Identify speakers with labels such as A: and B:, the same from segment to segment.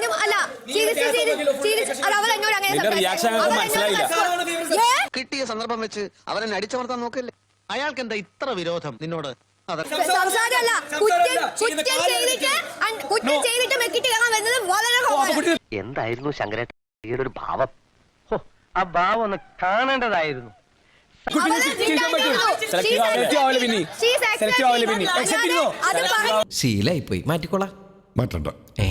A: കിട്ടിയ സന്ദർഭം വെച്ച് അവനെ അടിച്ചമർത്താൻ നോക്കല്ലേ. അയാൾക്ക് എന്താ ഇത്ര വിരോധം നിന്നോട്?
B: എന്തായിരുന്നു ശങ്കരേട്ടയുടെ ഒരു ഭാവം? ആ ഭാവം ഒന്ന് കാണേണ്ടതായിരുന്നു.
C: ശീലായി പോയി, മാറ്റിക്കോളാം. മാറ്റണ്ട.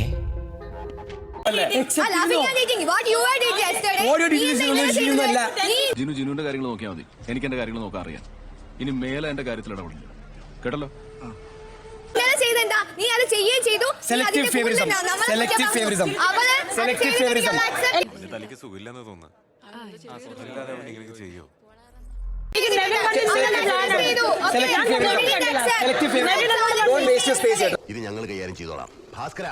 D: ജിനുവിന്റെ കാര്യങ്ങൾ നോക്കിയാൽ മതി. എനിക്ക് എന്റെ കാര്യങ്ങൾ നോക്കാൻ അറിയാം. ഇനി മേലെ എന്റെ കാര്യത്തിൽ ഇടപെടില്ല. കേട്ടല്ലോ?
E: തനിക്ക് സുഖമില്ലെന്ന് തോന്നുന്നു. ചെയ്യോ?
A: ഇത് ഞങ്ങൾ കൈകാര്യം ചെയ്തോളാം. Bhaskara,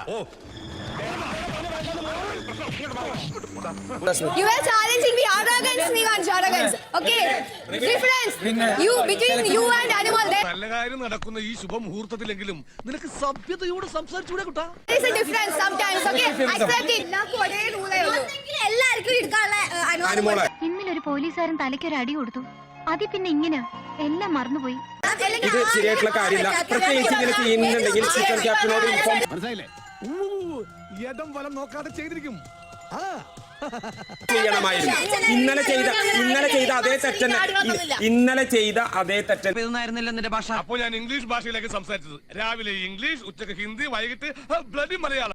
F: you are challenging the arrogance, Nivansh, arrogance. Okay, difference you between you and animal.
D: നല്ല കാര്യം നടക്കുന്ന ഈ ശുഭമുഹൂർത്തത്തിലെങ്കിലും നിനക്ക് സഭ്യതയോട് സംസാരിച്ചുകൂടെ കുട്ടാ?
F: There is a difference sometimes. Okay, accept it. നാക്കു ഒരേ റൂളേ ഉള്ളൂ. എല്ലാവർക്കും എടുക്കാനുള്ള അനുമതി.
G: ഇന്നലെ ഒരു പോലീസുകാരൻ തലയ്ക്കൊരു അടി കൊടുത്തു. അതി പിന്നെ ഇങ്ങനെ എല്ലാം മറന്നുപോയി.
C: ഇത് ശരിയായിട്ടുള്ള കാര്യമില്ല. പ്രത്യേകിച്ച് ഇങ്ങനെ ചെയ്യുന്നുണ്ടെങ്കിൽ ചിക്കൻ ക്യാപ്റ്റനോട് ഇൻഫോം.
D: മനസ്സിലായില്ലേ? ഇടം വലം നോക്കാതെ ചെയ്തിരിക്കും.
C: ചെയ്യണമായിരുന്നു. ഇന്നലെ ചെയ്ത അതേ തെറ്റന്നെ. ഇന്നലെ ചെയ്ത അതേ തെറ്റന്നായിരുന്നില്ല നിന്റെ ഭാഷ.
D: അപ്പോൾ ഞാൻ ഇംഗ്ലീഷ് ഭാഷയിലേക്ക് സംസാരിച്ചത്. രാവിലെ ഇംഗ്ലീഷ്, ഉച്ചക്ക് ഹിന്ദി, വൈകിട്ട് ബ്ലഡി മലയാളം.